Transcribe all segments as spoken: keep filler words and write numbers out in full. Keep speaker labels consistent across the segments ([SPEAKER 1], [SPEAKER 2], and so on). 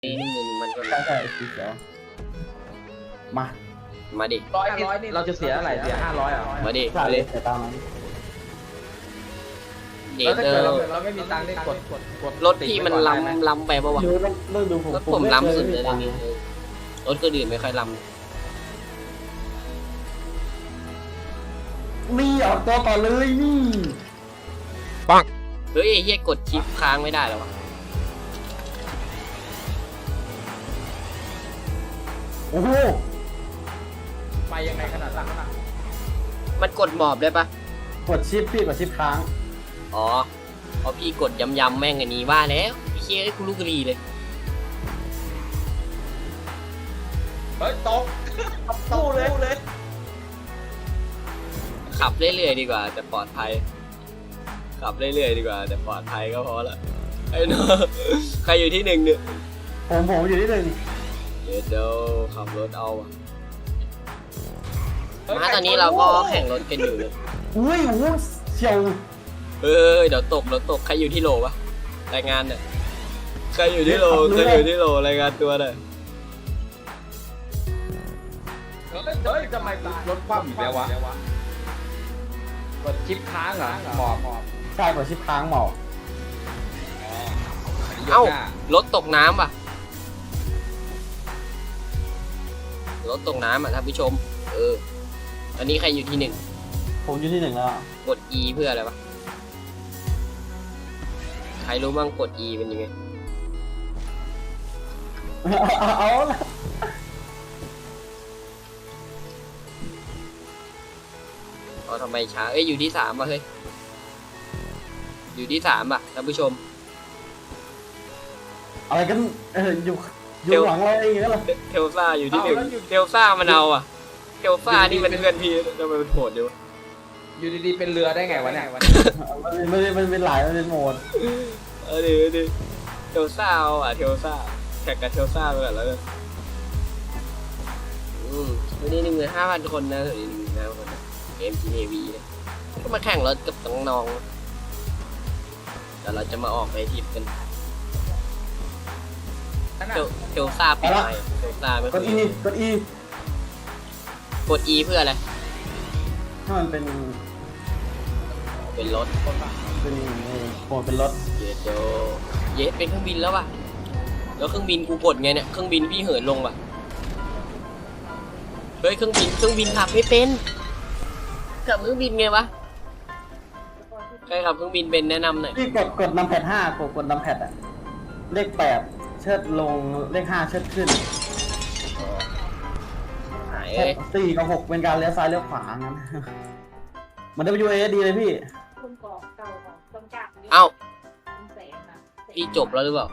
[SPEAKER 1] นี่หนึ่งมันก็
[SPEAKER 2] ใช่ใช่สีเขียวมา
[SPEAKER 1] มาดิ
[SPEAKER 3] ร้อยร้อยเราจะเสียอะไรเสียห้าร้อยอ่ะ
[SPEAKER 1] มาดิ
[SPEAKER 2] ใช่
[SPEAKER 1] มา
[SPEAKER 2] เล
[SPEAKER 1] ดิ
[SPEAKER 2] ยแต่ตามนั้น
[SPEAKER 1] เด
[SPEAKER 3] แล้วถ้า
[SPEAKER 1] เตอ
[SPEAKER 3] เกิดเรา
[SPEAKER 1] ร์
[SPEAKER 3] เราไม่มีตังค์ได้กดกดกด
[SPEAKER 1] รถพี่มันล้ำล้ำไปปะวะ
[SPEAKER 2] ดูต้องต้องดูผม
[SPEAKER 1] รถผมล้ำสุดเลย
[SPEAKER 2] ตั
[SPEAKER 1] นะ
[SPEAKER 2] งค์
[SPEAKER 1] นี่รถก็อื่นไม่ค่อยล้
[SPEAKER 2] มีออกตัวต่อเลยนี่
[SPEAKER 1] ำเฮ้ยไอ้เหี้ยกดชิปค้างไม่ได้หรอวะ
[SPEAKER 2] โอ้โห
[SPEAKER 3] ไปยังไงขนาดนั้นอ่ะ
[SPEAKER 1] มันกดหมอบได้ปะ
[SPEAKER 2] กดชิปพี่กดชิปค้าง
[SPEAKER 1] อ๋อพอพี่กดยำๆแม่งอันนี้ว่าแล้วไอ้เหี้ยไอ้กูลูกกระดีเลย
[SPEAKER 3] เฮ้ยตกตู้เลยเลย
[SPEAKER 1] ขับเรื่อยๆดีกว่าแต่ปลอดภัยขับเรื่อยๆดีกว่าแต่ปลอดภัยก็พอละไอ้น้องใครอยู่ที่หนึ่งเนี่ย
[SPEAKER 2] ผมผมอยู่ที่หนึ่ง
[SPEAKER 1] เดี๋ยวเดี๋ยวขับรถเอาอะมาตอนนี้เราก็แข่งรถกันอยู่เลย
[SPEAKER 2] อุ้ยโอ้โหเฉียว
[SPEAKER 1] เฮ้ยเดี๋ยวตกเดี๋ยวตกใครอยู่ที่โหลวะรายงานหน่อยใครอยู่ที่โหลใครอยู่ที่โหลรายงานตัวหน่อย
[SPEAKER 3] เฮ้ยทำไมรถคว่ำอีกแล้ววะกดชิปค้างเหรอหมอบหมอบ
[SPEAKER 2] ใช่กดชิปค้างหมอก
[SPEAKER 1] เอ้ารถตกน้ำป่ะรถตกน้ำอ่ะท่านผู้ชมเออตอนนี้ใครอยู่ที่หนึ่ง
[SPEAKER 2] ผมอยู่ที่หนึ่งแล้วอะ
[SPEAKER 1] กด E เพื่ออะไรวะใครรู้บ้างกด E เป็นยังไง
[SPEAKER 2] เอาเอาละ
[SPEAKER 1] เอาทำไมช้าเอ้ยอยู่ที่สามป่ะเฮ้ยอยู่ที่สามป่ะท่านผู้ชม
[SPEAKER 2] อะไรกันเอออยู่อยู่หลังอะไรอย่างเงี้ยเหรอ
[SPEAKER 1] เทลซ่าอยู่ที่หนึ่งเทลซ่ามันเอาอ่ะเทลซ่านี่มันเพื่อนพี่ทำไมมันโหดอยู่
[SPEAKER 3] อยู่ดีๆเป็นเรือได้ไงวะเนี่ย
[SPEAKER 2] มันมันมันเป็นหลายมันเป็นโหมด
[SPEAKER 1] เออดิดิเทลซ่าเอาอ่ะเทลซ่าแข่งกับเทลซ่าไปก่อนแล้วกันอืมวันนี้หนึ่งหมื่นห้าพันคนนะวันนี้หนึ่งหมื่นห้าพันคนนะเกมจีเนวีนะก็มาแข่งรถกับน้องๆแต่เราจะมาออกไปทริปกันเทลเทลซ่าปีใหม่เทลซ่าไม่
[SPEAKER 2] ก
[SPEAKER 1] ค่อ
[SPEAKER 2] ด
[SPEAKER 1] ย
[SPEAKER 2] อีกดอี
[SPEAKER 1] กด E เพื่ออะไร
[SPEAKER 2] ถ้ามันเป็น
[SPEAKER 1] เป็นรถ
[SPEAKER 2] เป็นโหมดเป็นรถ
[SPEAKER 1] เยดโดเยดเป็นเครื่องบินแล้วป่ะแล้วเครื่องบินกูกดไงเนี่ยเครื่องบินพี่เหินลงป่ะเฮ้ยเครื่องบินเครื่องบินขับไม่เป็นขับเครื่องบินไงวะใครขับเครื่องบินเป็นแนะนำหน่อย
[SPEAKER 2] พี่กดกดนำแพดห้ากดกดนำแพดอะเลขแปดเชิดลงเลขห้าเชิดขึ้น
[SPEAKER 1] หาย
[SPEAKER 2] เชิ
[SPEAKER 1] เล
[SPEAKER 2] ด
[SPEAKER 1] ย
[SPEAKER 2] สี่กับหกเป็นการเลี้ยวซ้ายเลี้ยวขวางั้น มัน ดับเบิลยู เอ ดีเลยพี่
[SPEAKER 4] คุณกอกเก่าของต้นจาก
[SPEAKER 1] เอ้า
[SPEAKER 4] แสนนะ
[SPEAKER 1] พี่จบแล้วหรือเปล่า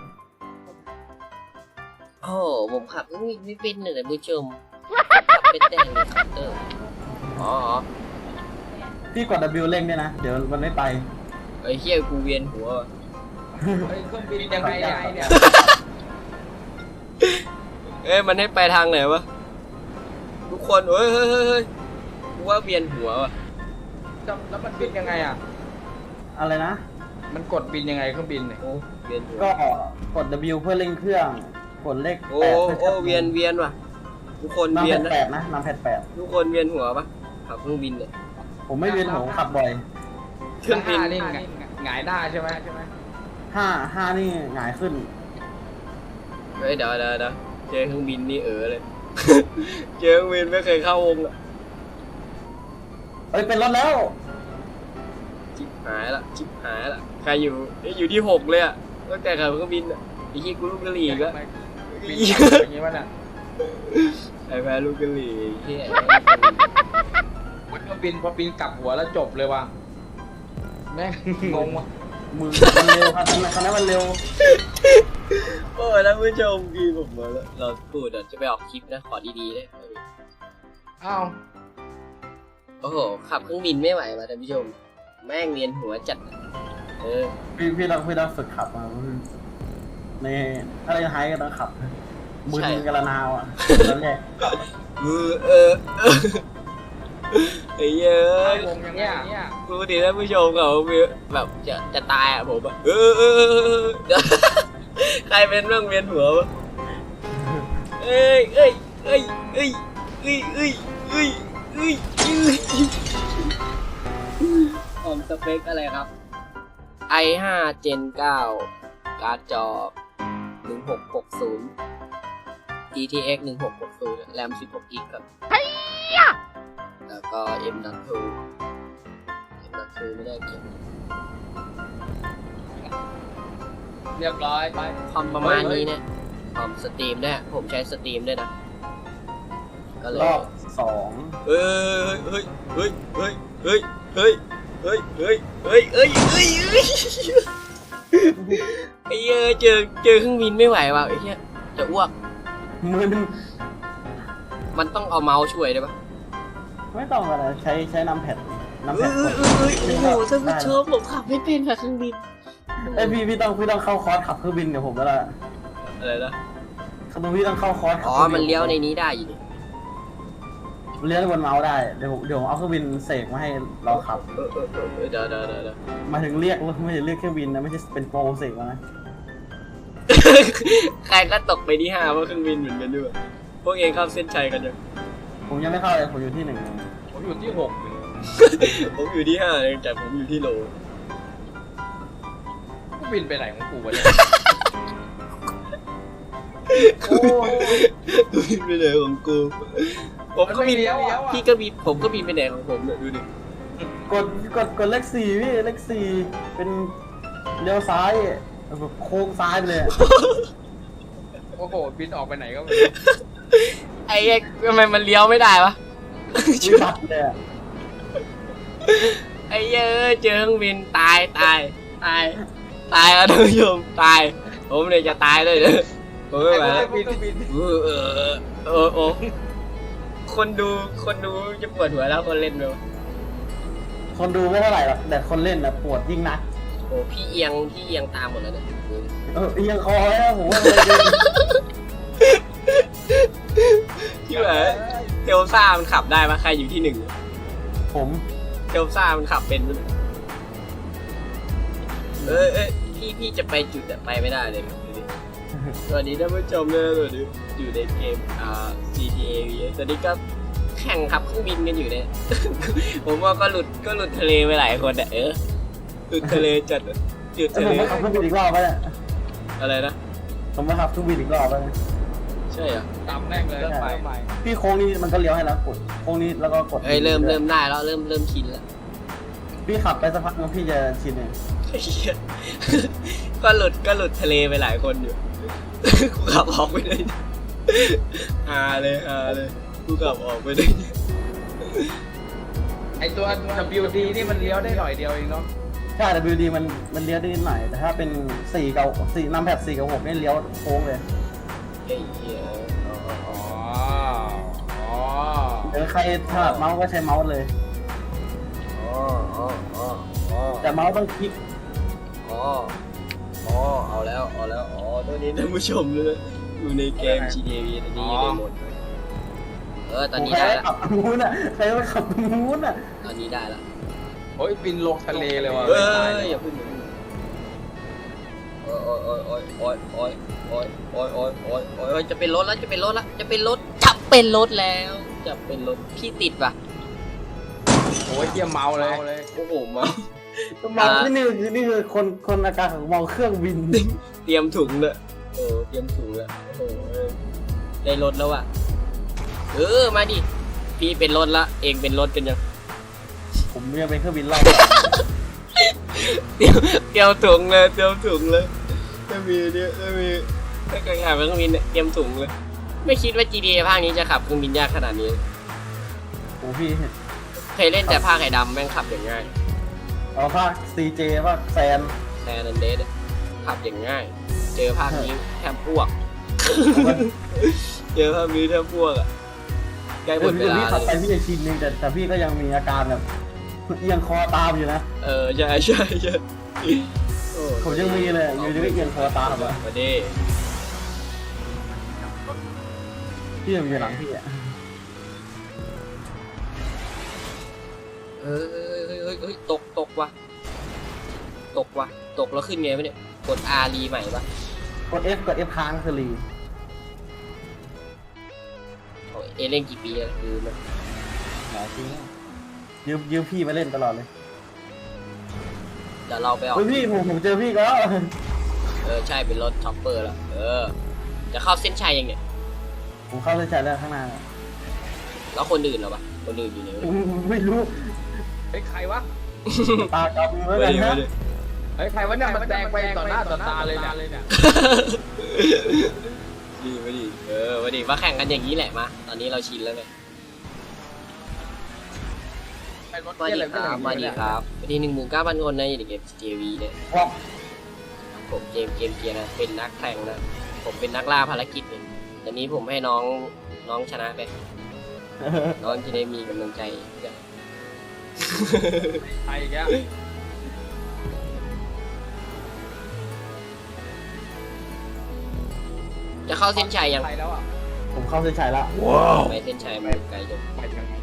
[SPEAKER 1] โอ้ผมขับเครื่องบินไม่เป็นเลยผู้ชมขับไปแต่งขับเตอร์อ๋อ
[SPEAKER 2] พี่กด W เร่งด้วยนะ เดี๋ยวมันไม่ไป
[SPEAKER 1] ไอ้เหี้ยกูเวียนหัว
[SPEAKER 3] เฮ้ยเครื่องบินยังไงเนี่ย
[SPEAKER 1] เอ้ยมันให้ไปทางไหนวะทุกคนเฮ้ยเฮ้ยเฮ้ยเฮ้ยกูว่าเวียนหัวว่ะ
[SPEAKER 3] แล้วมันบินยังไงอ่ะ
[SPEAKER 2] อะไรนะ
[SPEAKER 3] มันกดบินยังไงเครื่องบินเนี่ย
[SPEAKER 1] โอ้เวียนหัว
[SPEAKER 2] ก็กด W เพื่อเร่งเครื่อง กดเลข
[SPEAKER 1] โอ้
[SPEAKER 2] แปดเพื่อ
[SPEAKER 1] โอ้เวียนเวียนว่ะทุกคน
[SPEAKER 2] นำ
[SPEAKER 1] เวี
[SPEAKER 2] แพ
[SPEAKER 1] ยน
[SPEAKER 2] ด
[SPEAKER 1] นะ
[SPEAKER 2] แปดนะนำแพดแปด
[SPEAKER 1] ทุกคนเวียนหัวปะขับเครื่องบินเนี่ย
[SPEAKER 2] ผมไม่เวียนหัวผมขับบ่อย
[SPEAKER 1] เครื่องบิน
[SPEAKER 3] ห้านี่หงายหน้าใช่ไหมใช่ไหม
[SPEAKER 2] ห้าห้านี่หงายขึ้น
[SPEAKER 1] เฮ้ยเดี๋ยวเดี๋ยวเดี๋ยวเจอเครื่องบินนี่เออเลย เจอเครื่องบินไม่เคยเข้าวงอะ
[SPEAKER 2] เอ้ยเป็นรถแล้ว
[SPEAKER 1] ชิบหายละชิบหายละใครอยู่เอ้ยอยู่ที่หกเลยอะตั้งแต่ขับเครื่องบินอะไอ้ที่กูลูกกะหรี่อีกแล้ว
[SPEAKER 3] บินอย่างนี้วะเนี่ย
[SPEAKER 1] ไอ้แพ้ลูกกะหรี่เฮีย
[SPEAKER 3] เครื่องบินพอบินกลับหัวแล้วจบเลยว่ะแม่งงงว่ะ
[SPEAKER 2] มือมันเร็วครับคันนั้นคันนั้นมันเร็ว
[SPEAKER 1] โอ้ยท่านผู้ชมกีผมมาแล้วเราพูดเดี๋ยวจะไปออกคลิปนะขอดีๆเลย
[SPEAKER 3] อ้าว
[SPEAKER 1] โอ้โหขับเครื่องบินไม่ไหวว่ะท่านผู้ชมแม่งเวียนหัวจัดเออ
[SPEAKER 2] พี่พี่ต้องพี่ต้องฝึกขับมาในถ้าเราจะไฮก็ต้องขับมือกระนาวอ่ะแล้วแหละ
[SPEAKER 1] มือเออเออไอ้เหี้ยอะ
[SPEAKER 3] วงอย่างเงี้ย
[SPEAKER 1] ปกติท่านผู้ชมเขาแบบจะจะตายอ่ะผมอ่ะเออเออเออใครเป็นเรื่องเวียนหัววะเอ้ยเอ้ยเอ้ยเอ้ยเอ้ยเอ้ยเอ้ยเอ้ยเอ้ยผมสเปคอะไรครับ ไอ ห้า Gen เก้า การ์ดจอ หนึ่งหกหกศูนย์ จี ที เอ็กซ์ หนึ่งหกหกศูนย์ แรม สิบหก กิกครับแล้วก็ เอ็ม ดอท ทู เอ็ม ดอท ทู ไม่ได้เก็บ
[SPEAKER 3] เรียบร้อยไป
[SPEAKER 1] คอมประมาณนี้เนี่ยคอมสตรีมด้วยผมใช้สตรีมด้วยนะ ก็เลย
[SPEAKER 2] รอบสอง
[SPEAKER 1] เฮ้ยเฮ้ยเฮ้ยเฮ้ยเฮ้ยเฮ้ยเฮ้ยเฮ้ยเฮ้ยเฮ้ยเฮ้ยเฮ้ยไอ้เหี้ยเจอเจอเครื่องบินไม่ไหวว่ะไอ้เหี้ยจะอ้วก
[SPEAKER 2] มือมัน
[SPEAKER 1] มันต้องเอาเมาส์ช่วยได้ปะ
[SPEAKER 2] ไม่ต้องอะไรใช้ใช้น้ำแผ่นน้ำ
[SPEAKER 1] เอ
[SPEAKER 2] แผ่น
[SPEAKER 1] อก เอ
[SPEAKER 2] ด
[SPEAKER 1] อเออโอ้โหท่านผู้ชมผมขับไม่เป็นค่ะเครื่องบิน
[SPEAKER 2] เอ้ยพี่พี่ต้องพี่ต้องเข้าคอร์สขับเครื่องบินเดี๋ยวผมก็ละ
[SPEAKER 1] อะไรนะ
[SPEAKER 2] คือพี่ต้องเข้าคอร์สขับ
[SPEAKER 1] อ๋อ
[SPEAKER 2] ครื่องบิ
[SPEAKER 1] มันเลี้ยวในนี้ได้อยู่ดิ
[SPEAKER 2] เลี้ยวบนเมาส์ได้เดี๋ยวผมเดี๋ยวผมเอาเครื่องบินเสกมาให้เราขับ
[SPEAKER 1] เออเออเออเออเดี๋ยวเดี๋ยวเดี๋ยวเดี๋ยว
[SPEAKER 2] มาถึงเรียกไม่ใช่เรียกเครื่องบินนะไม่ใช่เป็นโปรเสกมานะ
[SPEAKER 1] ใครก็ตกไปที่ห้าเพราะเครื่องบินเหมือนกันด้วยพวกเองเข้าเส้นชัยกันยัง
[SPEAKER 2] ผมยังไม่เข้าเลยผมอยู่ที่หนึ่ง
[SPEAKER 3] ผมอยู่ที่หก
[SPEAKER 1] ผมอยู่ที่ห้าเองแต่ผมอยู่ที่โล
[SPEAKER 3] กูบินไปไหนของกูวะเนี่ย
[SPEAKER 2] โอ้ย
[SPEAKER 1] บินไปไหนของกู ผมก็บิน
[SPEAKER 3] เลี้ยวอ่ะ
[SPEAKER 1] พี่ก็บินผมก็บินไปไหนของผมเนี่ยดูดิ
[SPEAKER 2] กดกดกดเลขสี่พี่เลขสี่เป็นเลี้ยวซ้ายแบบโค้งซ้ายไปเลยอะ
[SPEAKER 3] โอ้โหบินออกไปไหนก็ไม่รู้
[SPEAKER 1] ไอ้เอ็กทำไมมันเลี้ยวไม่ได้วะ
[SPEAKER 2] วิบัติเลยอะ
[SPEAKER 1] ไอ้เหี้ยเอ้ยเจอเครื่องบินตายตายตายตายอ่ะท่านผู้ชมตาย ผมเลยจะตายเลยเด้อผมไม่ไหวแล้ว
[SPEAKER 3] บินบิน
[SPEAKER 1] เออเออเออเออโอ้คนดูคนดูจะปวดหัวแล้วคนเล่นไหมวะ
[SPEAKER 2] คนดูไม่เท่าไหร่หรอกแต่คนเล่นน่ะปวดยิ่งนัก
[SPEAKER 1] โอ้พี่เอียงพี่เอียงตามหมดแล้วเนี่ย
[SPEAKER 2] เออเอียงคอแล้วผมว่าเลย
[SPEAKER 1] ที่ไหนเทลซ่ามันขับได้ปะใครอยู่ที่หนึ่ง
[SPEAKER 2] ผม
[SPEAKER 1] เทลซ่ามันขับเป็นด้วยเออเออพี่พี่จะไปจุดอะไปไม่ได้เลยดูดิสวัสดีท่านผู้ชมเลยสวัสดีอยู่ในเกมอ่า จี ที เอ วีตอนนี้ก็แข่งขับเครื่องบินกันอยู่เนี่ย ผมว่าก็หลุดก็หลุดทะเลไปหลายคนอะเออหลุดทะเลจัดอะจุด
[SPEAKER 2] แล้ว
[SPEAKER 1] ทะ
[SPEAKER 2] ผม
[SPEAKER 1] เล
[SPEAKER 2] มาขับเครื่องบินอีกรอบไปเนี่ย
[SPEAKER 1] อะไรนะ
[SPEAKER 2] ผมมาขับเครื่องบินอีกรอบไปเนี่ย
[SPEAKER 1] ใช่เหรอ
[SPEAKER 3] ตามแม่งเลยไปไป
[SPEAKER 2] พี่โค้งนี้มันก็เลี้ยวให้แล้วกดโค้งนี้แล้วก็กด
[SPEAKER 1] เอ้ยเริ่มเริ่มได้แล้วเริ่มเริ่มชินแล้ว
[SPEAKER 2] พี่ขับไปสักพักนึงพี่จะชินเอง
[SPEAKER 1] ไอ้เหี้ย ก็หลุดก็หลุดทะเลไปหลายคนอยู่ กูขับออกไปได้ฮาเลยฮาเลยกูขับออกไปได้
[SPEAKER 3] ไอตัว ดับเบิลยู ดี นี่มันเลี้ยวได้หน่อยเดียวเองเนาะ
[SPEAKER 2] ใช่ ดับเบิลยู ดี มันมันเลี้ยวได้นิดหน่อยแต่ถ้าเป็นสี่กับสี่นำแพดสี่กับหกนี่เลี้ยวโค้งเลย
[SPEAKER 1] ไอ้เหี้ย
[SPEAKER 3] อ๋ออ๋อ
[SPEAKER 2] เดี๋ยวใครถนัดเมาส์ก็ใช้เมาส์เลย
[SPEAKER 1] อ๋ออ๋ออ๋ออ๋อ
[SPEAKER 2] แต่เมาส์ต้องคลิก
[SPEAKER 1] อ๋ออ๋อเอาแล้วเอาแล้วอ๋อตัวนี้ท่านผู้ชมเลยอยู่ในเกม จี ที เอ วี ตอนนี้อยู่ในโหมดเออตอนนี้
[SPEAKER 2] ใคร
[SPEAKER 1] ได้
[SPEAKER 2] ไม่
[SPEAKER 1] แล้ว
[SPEAKER 2] ขับตรงนู้นอ่ะใครไม่ขับตรงนู้นอ่ะ
[SPEAKER 1] ตอนนี้ได้แล้ว
[SPEAKER 3] โอ้ยบินลงทะเลเลยว่ะ
[SPEAKER 1] เอ้
[SPEAKER 3] ตาย
[SPEAKER 1] ย
[SPEAKER 3] เลย
[SPEAKER 1] อย่าพึ่งโอ้ยโอ้ยโอ้ยโอ้ยโอ้ยโอ้ยโอ้ยโอ้ยโอ้ยโอ้ยโอ้ยจะเป็นรถแล้วจะเป็นรถแล้วจะเป็นรถจะเป็นรถแล้วจะเป็นรถพี่ติดปะ
[SPEAKER 3] โอ้ยเที่ยเมาเลย
[SPEAKER 1] โอ้โหมา
[SPEAKER 2] เมาส์นี่คือนี่คือคนคนอาการของเมาเครื่องบิน
[SPEAKER 1] เตรียมถุงเลยโอ้เตรียมถุงเลยโอ้โหได้รถแล้วอ่ะเออมาดิพี่เป็นรถละเองเป็นรถกันยัง
[SPEAKER 2] ผมยังเป็นเครื่องบินรอบ
[SPEAKER 1] เตรียมเตรียมถุงเลยเตรียมถุงเลยถ้ามีเนี่ยถ้ามีถ้าเคยขับเครื่องบินเนี่ยเตรียมถุงเลยไม่คิดว่า จี ที เอ ภาคนี้จะขับเครื่องบินยากขนาดนี้
[SPEAKER 2] โอ้พี่
[SPEAKER 1] เคยเล่นแต่ภาคไข่ดำแม่งขับอย่างง่าย
[SPEAKER 2] เอาภาค ซี เจ ภาคแซน
[SPEAKER 1] แซนนันเดสขับอย่างง่าย เจอภาคนี้แทบพวก เจอภาคนี้แทบพวกอ่ะใกล้หม
[SPEAKER 2] เดี๋ยว
[SPEAKER 1] ดเว
[SPEAKER 2] พี่
[SPEAKER 1] ลา
[SPEAKER 2] ขับไป
[SPEAKER 1] เลย
[SPEAKER 2] พี่จะชินนึงแต่แต่พี่ก็ยังมีอาการแบบเอียงคอตามอยู่นะ
[SPEAKER 1] เออใช่ใช่ใช่โอ้
[SPEAKER 2] ผมยังมีเลยอยู่ดีก็เอียงคอตามอ่ะ
[SPEAKER 1] มาดิ
[SPEAKER 2] พี่ยังอยู่หลังพี่อ่ะ
[SPEAKER 1] เฮ้ยเฮ้ยเฮ้ยเฮ้ยเฮ้ยตกตกว่ะตกว่ะตกแล้วขึ้นไงวะเนี่ยกด R รีใหม่ปะ
[SPEAKER 2] กด F กด F ค้างคือรี
[SPEAKER 1] เอเล่นกี่ปีแล้วคือมัน
[SPEAKER 2] หลายปีแล้วยืมยืมพี่มาเล่นตลอดเลย
[SPEAKER 1] เดี๋ยวเราไปออก
[SPEAKER 2] เฮ้ยพี่ผมผมเจอพี่ก็แล้ว
[SPEAKER 1] เออใช่เป็นรถช็อปเปอร์แล้วเออจะเข้าเส้นชัยยังเนี่ย
[SPEAKER 2] ผมเข้าเส้นชัยแล้วข้างหน้า
[SPEAKER 1] แล้วคนอื่นเหรอปะคนอื่นอยู่ไหนวะ
[SPEAKER 2] ไม่รู้
[SPEAKER 3] เฮ้ยใครวะ
[SPEAKER 2] ตาจับมือไว้กันนะ
[SPEAKER 3] เฮ้ยใครวะเนี่ยมันแดงไปต่อหน้าต่อตาเลยเนี่ย
[SPEAKER 1] ดีมาดิเออมาดิมาแข่งกันอย่างนี้แหละมาตอนนี้เราชินแล้วไง
[SPEAKER 3] ไอ้รถ
[SPEAKER 1] มา
[SPEAKER 3] เหี้ย
[SPEAKER 1] ดิ
[SPEAKER 3] อะไร
[SPEAKER 1] ครับมาดิครับวันที่หนึ่งหมื่นเก้าพันคนในเกม เจ วี เนี่ย
[SPEAKER 2] ว้าว
[SPEAKER 1] ผมเจมส์เกมเกียร์นะเป็นนักแข่งนะผมเป็นนักล่าภารกิจเนี่ยตอนนี้ผมให้น้องน้องชนะไปน้องจะได้มีกำลังใจ
[SPEAKER 3] ใครอีกแล้ว
[SPEAKER 1] จะเข้าเส้นชัยยัง
[SPEAKER 3] ใครแล้วอ่ะ
[SPEAKER 2] ผมเข้าเส้นชัยแล้ว
[SPEAKER 1] ไปเส้นชัยมันไกลจัง
[SPEAKER 3] ไปยังไง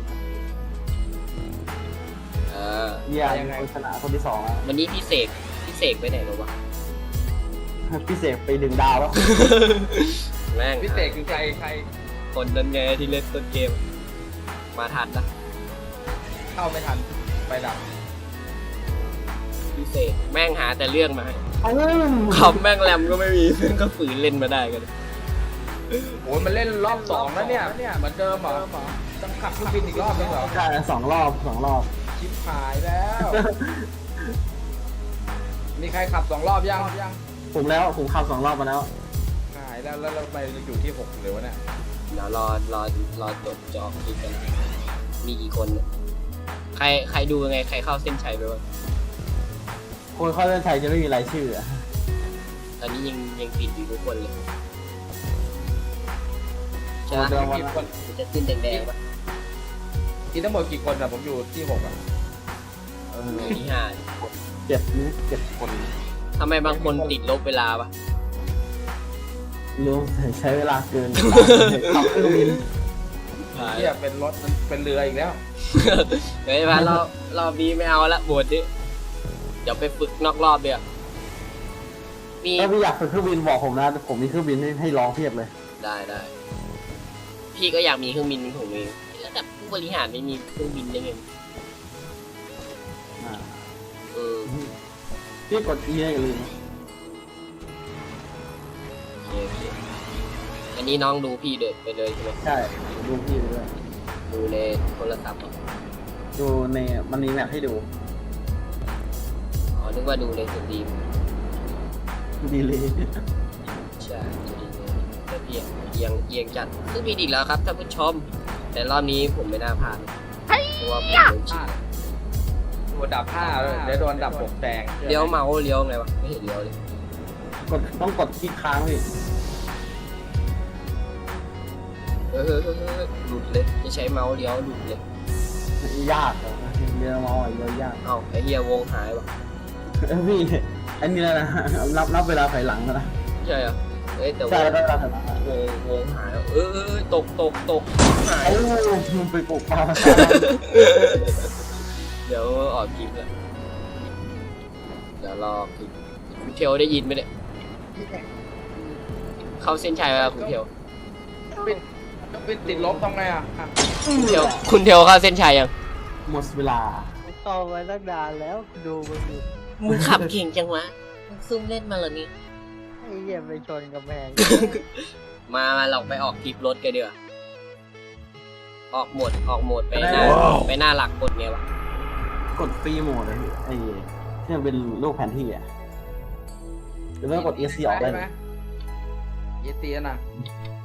[SPEAKER 1] เออ
[SPEAKER 2] เนี่ยคนชนะคนที่สองแล้ว
[SPEAKER 1] วันนี้พี่เสกพี่เสกไปไหนหรอวะ
[SPEAKER 2] พี่เสกไปดึงดาวแล้ว
[SPEAKER 1] แม่ง
[SPEAKER 3] พี่เสกคือใครใคร
[SPEAKER 1] คนนั้นไงที่เล่นต้นเกม มาทันนะ
[SPEAKER 3] เข้าไม่ทันไปดับ
[SPEAKER 1] พี่เสกแม่งหาแต่เรื่องมาให้
[SPEAKER 2] อ้าว
[SPEAKER 1] คอมแม่งแรมก็ไม่มีเพื่อนก็ฝืนเล่นมาได้กัน
[SPEAKER 3] โอ้ยมันเล่นรอบสองแล้วเนี่ยเหมือนเดิมเหรอต้องขับเครื่องบินอีกรอบนึงเหรอ
[SPEAKER 2] ใช่สองรอบสองรอบ
[SPEAKER 3] ชิบหายแล้ว มีใครขับสองรอบยังยัง
[SPEAKER 2] ผมแล้วผมขับสองรอบมาแล้ว
[SPEAKER 3] หายแล้วแล้วเราไปอยู่ที่หกเลยวะเนี่ย
[SPEAKER 1] เดี๋ยวรอรอรอจดจอคลิปกัน มีกี่คนเนี่ยใครใครดูยังไงใครเข้าเส้นชัยไปบ้าง
[SPEAKER 2] คนเข้าเส้นชัยจะไม่มีรายชื่ออะ
[SPEAKER 1] ตอนนี้ยังยังปิดอยู่ทุกคนเลยใช่ไหม
[SPEAKER 2] เดิมวัน
[SPEAKER 3] กี่
[SPEAKER 2] ละ
[SPEAKER 3] คน
[SPEAKER 1] มันจะขึ้นแดงๆปะ
[SPEAKER 3] ที่ทั้งหมดกี่คนอะผมอยู่ที่หกอะ
[SPEAKER 2] เออ
[SPEAKER 1] มีที่ห้า
[SPEAKER 2] เจ็ดนี่เจ็ดคน
[SPEAKER 1] ทำไมบางคนติดลบเวลาปะ
[SPEAKER 2] รู้ใช้เวลาเกินขับเครื่องบิน
[SPEAKER 3] เที่ยเป็นรถมันเป็นเรืออีกแล้ว
[SPEAKER 1] เฮ้ยมารอบรอบนี้ไม่เอาละบวชดิเดี๋ยวไปฝึกนอกรอบเดี๋ยวมี
[SPEAKER 2] ถ้าพี่อยากฝึกเครื่องบินบอกผมนะผมมีเครื่องบินให้ให้ลองเพียบเลย
[SPEAKER 1] ได้ได้พี่ก็อยากมีเครื่องบินของตัวเองแล้วแต่ผู้บริหารไม่มีเครื่องบินได้ไง
[SPEAKER 2] อ่า
[SPEAKER 1] เออ
[SPEAKER 2] พี่กด E อย่าลืม
[SPEAKER 1] โอเคโอเคอันนี้น้องดูพี่เดินไปเลยใช่ไหม
[SPEAKER 2] ใช่ดูพี่ไปด้วย
[SPEAKER 1] ดูในโทรศัพท์เหรอ
[SPEAKER 2] ดูในมันมีแมปให้ดู
[SPEAKER 1] อ๋อนึกว่าดูในสตรีม
[SPEAKER 2] ดีเลย
[SPEAKER 1] ใช่สตรีมแต่พี่เอียงเอียงจัดซึ่งมีอีกแล้วครับท่านผู้ชม แต่รอบนี้ผมไม่น่าพลาดเพราะว่าผมโดนฉีด
[SPEAKER 3] โดนดับห้าเลยเดี๋ยวโดนดับหกแดง
[SPEAKER 1] เลี้ยวเมาส์เลี้ยวไงวะไม่เห็นเลี้ยวเลย
[SPEAKER 2] กดต้องกดที่ค้างพี่
[SPEAKER 1] เออเออเออเออหลุดเลยจะใช้เมาส์เลี้ยวหลุดเลย
[SPEAKER 2] ยากอะเรียนมอเยอะยาก
[SPEAKER 1] เอ้าไอเฮียวงหายวะ
[SPEAKER 2] เอ้ยพี่อันนี้แล้วนะนับนับเวลาถอยหลังแล้วนะ
[SPEAKER 1] ใช่เหรอเอ้ยแต่
[SPEAKER 2] ใช่
[SPEAKER 1] ว่า
[SPEAKER 2] แล้วเวลาถอยหลังอะ
[SPEAKER 1] วงวงหายแล้วเออเออเออตกตกตกหาย
[SPEAKER 2] เอ้ามันไปปลุกปลา
[SPEAKER 1] เดี๋ยวออกคลิปแล้วเดี๋ยวรอคือคุณเทลได้ยินไหมเนี่ยเข้าเส้นชัยแล้วคุณเทล
[SPEAKER 3] เป็นเป็นติดลบทำไงอ่ะ
[SPEAKER 1] คุณเทลคุณเทลเข้าเส้นชัยยัง
[SPEAKER 2] หมดเวลา
[SPEAKER 5] ต่อมาตั้งนานแล้วดูมันอยู่
[SPEAKER 1] มึงขับเก่งจังวะมึงซุ่มเล่นมาเหรอนี่
[SPEAKER 5] ไอ้เหี้ยไปชนกับแพง
[SPEAKER 1] มามาเราไปออกคลิปรถกันดีกว่าออกโหมดออกโหมดไปหน้าไปหน้าหลักกดไงวะ
[SPEAKER 2] กดฟรีโหมดเลยพี่ไอ้ที่มันเป็นรูปแผนที่อ่ะหรือว่ากด เอ ซี ออกได้
[SPEAKER 3] ไห
[SPEAKER 2] เล
[SPEAKER 3] ม
[SPEAKER 2] ย
[SPEAKER 3] เอซีนะ